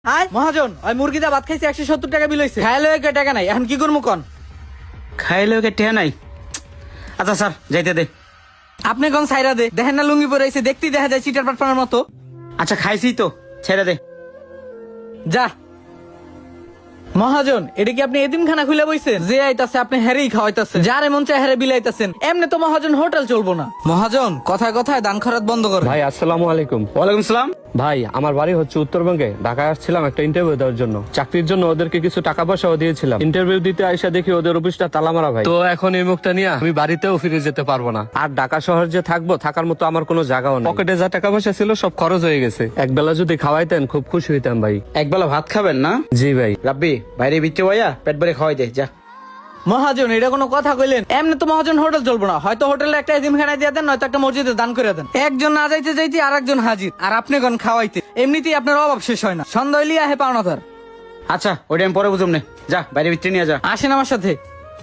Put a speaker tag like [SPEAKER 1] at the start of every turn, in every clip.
[SPEAKER 1] আয় মহাজন ওই মুরগিটা ভাত খাইছে 170 টাকা বিল হইছে। খাইলে টাকা নাই, এখন কি করবো কন?
[SPEAKER 2] খাইলে ওকে টেহা নাই। আচ্ছা স্যার যাইতে দে।
[SPEAKER 1] আপনি কোন সাইরা দে, দেখেন না লুঙ্গি পরে আইছে, দেখতেই দেখা যায় চিটার পাটপানের মতো।
[SPEAKER 2] আচ্ছা খাইছি তো, ছেড়ে দে।
[SPEAKER 1] যা মহাজন, এটা কি আপনি এতিমখানা খুলে বইছেন? যে আইতাছে আপনি হেরেই খাওয়াইতাছেন, যার এমন চাই হেরে বিলাইতাছেন। এমনি তো মহাজন হোটেল চলবো না। মহাজন কথায় কথায় দান খরচ বন্ধ করে।
[SPEAKER 3] ভাই আসসালামু আলাইকুম।
[SPEAKER 2] ওয়ালাইকুম সালাম।
[SPEAKER 3] ভাই আমার বাড়ি হচ্ছে উত্তরবঙ্গে, ঢাকায় আসছিলাম একটা ইন্টারভিউ দেওয়ার জন্য। চাকরির জন্য ওদেরকে কিছু টাকা পয়সাও দিয়েছিলাম। ইন্টারভিউ দিতে আইসা দেখি ওদের অফিসটা তালা মারা ভাই। তো এখন এই মুখটা নিয়ে আমি বাড়িতেও ফিরে যেতে পারবো না। আর ঢাকা শহর যে থাকবো, থাকার মতো আমার কোনো জায়গাও নেই। পকেটে যা টাকা পয়সা ছিল সব খরচ হয়ে গেছে। একবেলা যদি খাওয়াইতেন খুব খুশি হইতাম ভাই।
[SPEAKER 2] একবেলা ভাত খাবেন না?
[SPEAKER 3] জি ভাই।
[SPEAKER 2] রাব্বি বাইরে বিচ্ছে ভাইয়া পেট ভরে খাওয়াই দে যা।
[SPEAKER 1] মহাজন এটা কোনো কথা কইলেন? এমনি তো মহাজন হোটেল চলবো না। হয়তো হোটেলে একটা এতিমখানা দিয়ে দেন, নয়তো একটা মসজিদে দান করে দেন। একজন না যাইতে যাইতে আর একজন হাজির, আর আপনি কোন খাওয়াইতে। এমনিতেই আপনার অভাব শেষ হয় না, সন্ধ্যা হইলে আহে পাওনাদার।
[SPEAKER 2] আচ্ছা ওইটা আমি পরে বুঝুম নে, যা বাইরে বিচ্ছে নিয়ে যা।
[SPEAKER 1] আসেন আমার সাথে,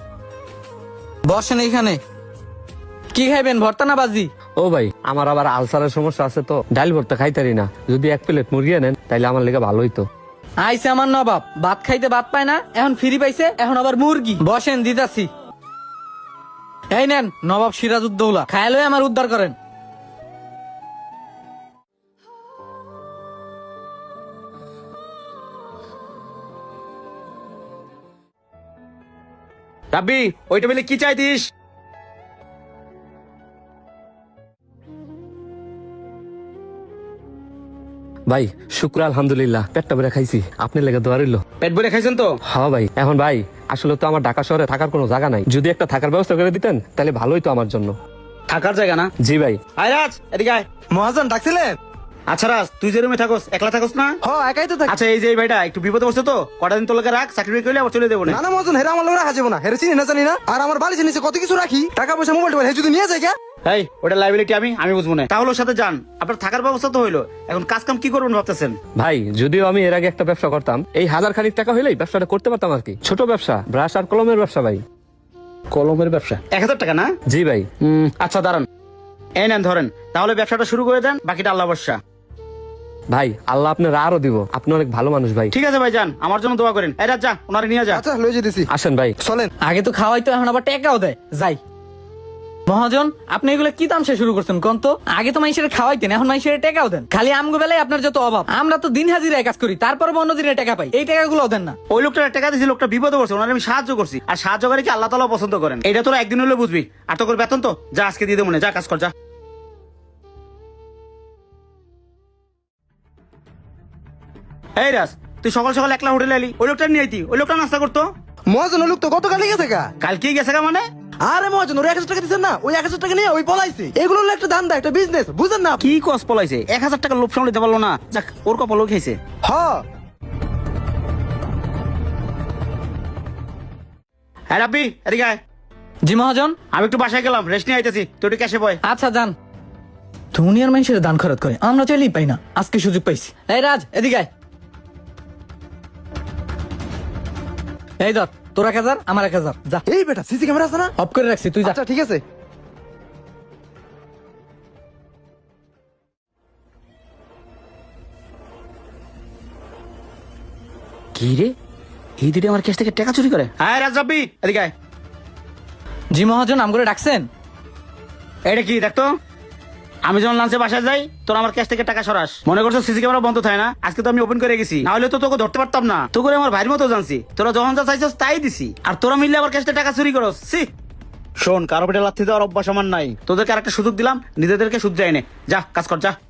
[SPEAKER 1] বসেন এইখানে। কি খাইবেন, ভর্তা না বাজি?
[SPEAKER 3] ও ভাই আমার আবার আলসারের সমস্যা আছে, তো ডাল ভর্তা খাইতারি না। যদি এক প্লেট মুরগি আনেন তাইলে আমার লেগে ভালো হইতো।
[SPEAKER 1] আইসে আমার নবাব, ভাত খাইতে ভাত পায় না, এখন ফ্রি পাইছে, এখন আবার মুরগি। বসেন দিতাছি। এই নেন নবাব সিরাজউদ্দৌলা, খায়াল হয়ে আমার উদ্ধার করেন।
[SPEAKER 2] রাব্বি ওই টেবিলে কি চাইতিস?
[SPEAKER 3] ভাই শুক্র আলহামদুলিল্লাহ, পেটটা ভরে খাইছি। আপনি লেগে দোয়া রইল।
[SPEAKER 2] পেট ভরে খাইছেন তো?
[SPEAKER 3] হ্যাঁ ভাই। এখন ভাই আসলে তো আমার ঢাকা শহরে থাকার কোনো জায়গা নাই, যদি একটা থাকার ব্যবস্থা করে দিতেন তাহলে ভালোই তো আমার জন্য।
[SPEAKER 2] থাকার জায়গা না?
[SPEAKER 3] জি ভাই।
[SPEAKER 2] আয় রাজ এদিকে আয়।
[SPEAKER 4] মহাজন ডাকছিলেন?
[SPEAKER 2] আচ্ছা রাজ তুই যে রুমে থাকস, একলা থাকস না?
[SPEAKER 4] হ, একাই তো থাকি।
[SPEAKER 2] আচ্ছা এই যে এই ভাইটা একটু বিপদে বসছে তো, কটা দিন তোকে রাখ, চাকরি করলে আবার চলে দেবো না।
[SPEAKER 4] না না মহাজন, হেরা আমার লোক রাখা যাবো না। হেরে চিনি না জানি না। আর আমার বালিশের নিচে কত কিছু রাখি, টাকা পয়সা মোবাইল টোবাইল, হে যদি নিয়ে যায় কে?
[SPEAKER 2] এই ওটা লাইবিলিটি আমি বুঝবো না। তাহলে ওর সাথে যান, আপনার থাকার ব্যবস্থা তো হইলো, এখন কাজ কাম কি করবেন ভাবতেছেন?
[SPEAKER 3] ভাই যদিও আমি এর আগে একটা ব্যবসা করতাম, এই 1000 খানিক টাকা হইলেই ব্যবসাটা করতে পারতাম আর কি। ছোট ব্যবসা, ব্রাশ আর কলমের ব্যবসা ভাই।
[SPEAKER 2] কলমের ব্যবসা? 1000 টাকা না?
[SPEAKER 3] জি ভাই।
[SPEAKER 2] আচ্ছা দাঁড়ান, এই নেন ধরেন, তাহলে ব্যবসাটা শুরু করে দেন, বাকিটা আল্লাহ ভরসা।
[SPEAKER 3] ভাই আল্লাহ আপনার আরো দিব, আপনি অনেক ভালো মানুষ ভাই।
[SPEAKER 2] ঠিক আছে ভাই যান, আমার জন্য দোয়া করেন। এই রাজ যা, ওনারে নিয়ে যা।
[SPEAKER 4] আচ্ছা লয়ে যেতেছি।
[SPEAKER 3] আসেন ভাই।
[SPEAKER 4] চলেন।
[SPEAKER 1] আগে তো খাওয়াইতো, এখন আবার টেকাও দেয়। যাই। মহাজন আপনি এগুলো কি তামসা শুরু করছেন কোন তো? আগে তো মানুষের খাওয়াইতেন, এখন মানুষের টেকাও দেন। খালি আমগো বেলায় আপনার যত অভাব। আমরা তো দিন হাজিরায় কাজ করি, তারপর অন্য দিনে টাকা পাই, এই টাকাগুলো দেন না।
[SPEAKER 2] ওই লোকটা টাকা দিয়েছি, লোকটা বিপদে পড়ছে, ওনারে আমি সাহায্য করছি। আর সাহায্য করে কি আল্লাহ তাআলা পছন্দ করেন? এটা তোরা একদিন হলে বুঝবি। আর তোর বেতন তো যা আজকে দিয়ে দেবো না, যা কাজ কর যা। এই রাজ তুই সকাল সকাল একলা হোটেলে এলি, ওই লোকটা নিয়ে আইতি, ওই লোকটা নাস্তা করতো।
[SPEAKER 4] মহাজন ওই লোক তো গতকালই গেছে গা।
[SPEAKER 2] কালকেই গেছে গা মানে?
[SPEAKER 4] আরে মহাজন ওর 1000 টাকা দিচ্ছেন না, ওই 1000 টাকা নিয়ে ওই পলাইছে। এগুলো হলো একটা ধান্দা, একটা বিজনেস, বুঝেন না?
[SPEAKER 2] কি কস পলাইছে? 1000 টাকা লোভ সামলাতে পারলো না, যাক ওর কপালও খেয়েছে।
[SPEAKER 4] হ।
[SPEAKER 2] হ্যাঁ রাব্বি এদিকে আয়।
[SPEAKER 1] জি মহাজন।
[SPEAKER 2] আমি একটু বাসায় গেলাম, রেস্ট নিয়ে আইতেছি, তুই একটু ক্যাশে বয়।
[SPEAKER 1] আচ্ছা যান। দুনিয়ার মানুষের দান খরচ করে, আমরা চাইলেই পাই না, আজকে সুযোগ পাইছি। এই রাজ এদিকে আয়। এই ধর তোর 1000, আমার 1000, যা।
[SPEAKER 4] এই বেটা সিসি ক্যামেরা আছে না?
[SPEAKER 1] অফ করে রাখছি, তুই যা।
[SPEAKER 4] আচ্ছা ঠিক আছে।
[SPEAKER 2] কি রে, এই দিদি আমার ক্যাশ থেকে টাকা চুরি করে? হ্যাঁ রাজ রাব্বি এদিকে আয়।
[SPEAKER 1] জি মহাজন, আম করে ডাকছেন?
[SPEAKER 2] এটা কি দেখতো, আমি যখন লাঞ্চে বাসায় যাই তোর আমার ক্যাশ থেকে টাকা সরাস, মনে করছো সিসি ক্যামেরা বন্ধ থাকে না? আজকে তো আমি ওপেন করে গেছি, না হলে তো তোকে ধরতে পারতাম না। তো করে আমার ভাইয়ের মতো জানছি, তোরা যখন যা চাইছিস তাই দিছি, আর তোরা মিললে আবার ক্যাশ থেকে টাকা চুরি করস। সি শোন, কারো পেটে লাথি দেওয়ার অভ্যাস আমার নাই, তোদেরকে আরেকটা সুযোগ দিলাম, নিজেদেরকে শুধরাই নে, যা কাজ কর যা।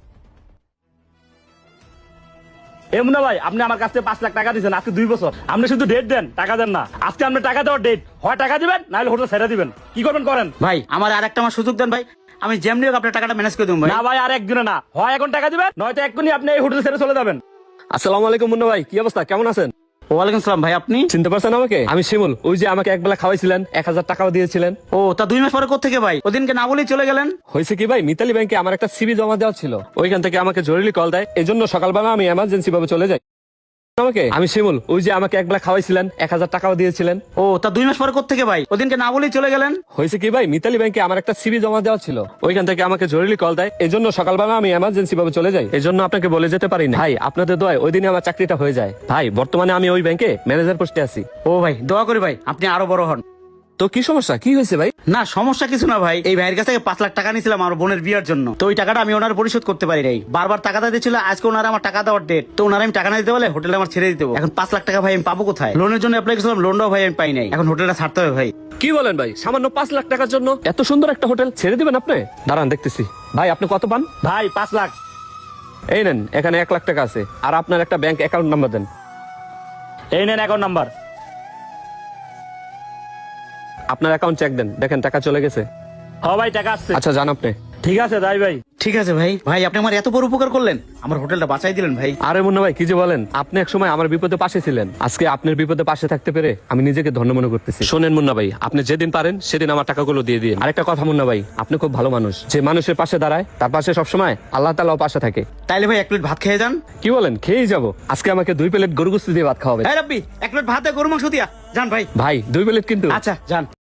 [SPEAKER 5] এ মুন্না ভাই, আপনি আমার কাছে 5 লাখ টাকা দিয়েছেন আজকে 2 বছর। আপনি শুধু ডেট দেন, টাকা দেন না। আজকে আপনি টাকা দেওয়ার ডেট, হয় টাকা দিবেন না হলে হোটেল ছেড়ে দিবেন। কি করবেন করেন।
[SPEAKER 2] ভাই আমার আরেকটা আমার সুযোগ দেন ভাই, আমি যেমনি হোক আপনার টাকাটা ম্যানেজ করে দেবো ভাই।
[SPEAKER 5] না ভাই আর একদিনে না, হয় এখন টাকা দিবেন, নয়তো এক্ষুনি আপনি এই হোটেল ছেড়ে চলে যাবেন।
[SPEAKER 3] আসসালামু আলাইকুম মুন্না ভাই, কি অবস্থা, কেমন আছেন?
[SPEAKER 2] ওয়ালাইকুম সালাম ভাই, আপনি
[SPEAKER 3] চিনতে পারছেন আমাকে? আমি শিমুল, ওই যে আমাকে একবেলা খাওয়াইছিলেন, 1000 টাকাও দিয়েছিলেন।
[SPEAKER 2] ও তা 2 মাস পরে কোত্থেকে ভাই? ওদিনকে না বলেই চলে গেলেন।
[SPEAKER 3] হয়েছে কি ভাই, মিতালি ব্যাংকে আমার একটা সিবি জমা দেওয়া ছিল, ওইখান থেকে আমাকে জরুরি কল দেয়, এই জন্য সকালবেলা আমি এমার্জেন্সি ভাবে চলে যাই। আমাকে আমি শিমুল, ওই যে আমাকে একবেলা খাওয়াইছিলেন, 1000 টাকাও দিয়েছিলেন।
[SPEAKER 2] ও তা 2 মাস পরে কোত্থেকে ভাই? ওদিনকে না বলেই চলে গেলেন।
[SPEAKER 3] হয়েছে কি ভাই, মিতালি ব্যাংকে আমার একটা সিভি জমা দেওয়া ছিল, ওইখান থেকে আমাকে জরুরি কল দেয়, এই জন্য সকালবেলা আমি এমার্জেন্সি ভাবে চলে যাই, এই জন্য আপনাকে বলে যেতে পারি না। ভাই আপনাদের দোয়ায় ওই দিনে আমার চাকরিটা হয়ে যায়। ভাই বর্তমানে আমি ওই ব্যাংকে ম্যানেজার পোস্টে আছি।
[SPEAKER 2] ও ভাই দোয়া করি ভাই আপনি আরো বড় হন।
[SPEAKER 3] তো কি সমস্যা, কি হয়েছে ভাই?
[SPEAKER 2] না সমস্যা কিছু না ভাই, এই ভাইয়ের কাছ থেকে 5 লাখ টাকা নিয়েছিলাম আমার বোনের বিয়ের জন্য। তো ওই টাকাটা আমি ওনার পরিশোধ করতে পারি নাই, বারবার টাকা দিয়েছিল। আজকে ওনারা আমার টাকা দেওয়ার ডেট, তো ওনারা আমি টাকা না দিতে বলে হোটেলে আমার ছেড়ে দিতে হবে। এখন 5 লাখ টাকা ভাই আমি পাবো কোথায়? লোনের জন্য অ্যাপ্লাই করেছিলাম, লোনটাও ভাই আমি পাই নাই, এখন হোটেলটা ছাড়তে হবে ভাই।
[SPEAKER 3] কি বলেন ভাই, সামান্য 5 লাখ টাকার জন্য এত সুন্দর একটা হোটেল ছেড়ে দিবেন আপনি? দাঁড়ান দেখতেছি। ভাই আপনি কত পান?
[SPEAKER 5] ভাই 5 লাখ।
[SPEAKER 3] এই নেন, এখানে 1 লাখ টাকা আছে, আর আপনার একটা ব্যাংক অ্যাকাউন্ট নাম্বার দেন।
[SPEAKER 5] এই নেন অ্যাকাউন্ট নাম্বার।
[SPEAKER 3] আপনার অ্যাকাউন্ট চেক দেন, দেখেন টাকা চলে গেছে।
[SPEAKER 5] হ্যাঁ ভাই টাকা আসছে।
[SPEAKER 3] আচ্ছা যান আপনি।
[SPEAKER 5] ঠিক আছে তাই ভাই।
[SPEAKER 2] ঠিক আছে ভাই, ভাই আপনি আমার এত বড় উপকার করলেন, আমার হোটেলটা বাঁচাই দিলেন ভাই।
[SPEAKER 3] আরে মুন্না ভাই কি যে বলেন, আপনি এক সময় আমার বিপদে পাশে ছিলেন, আজকে আপনার বিপদে পাশে থাকতে পেরে আমি নিজেকে ধন্য মনে করতেছি। শোনেন মুন্না ভাই, আপনি যেদিন পারেন সেদিন আমার টাকাগুলো দিয়ে দিন। আরেকটা কথা মুন্না ভাই, আপনি খুব ভালো মানুষ, যে মানুষের পাশে দাঁড়ায় তার পাশে সবসময় আল্লাহ তাআলাও পাশে থাকে।
[SPEAKER 2] তাইলে ভাই 1 প্লেট ভাত খেয়ে যান।
[SPEAKER 3] কি বলেন, খেয়েই যাবো। আজকে আমাকে 2 প্লেট গরু গোশত দিয়ে ভাত খাওয়াবে।
[SPEAKER 2] হ্যাঁ রাব্বি 1 প্লেট ভাতে গরু মাংস দিয়া যান ভাই।
[SPEAKER 3] ভাই 2 প্লেট কিন্তু।
[SPEAKER 2] আচ্ছা যান।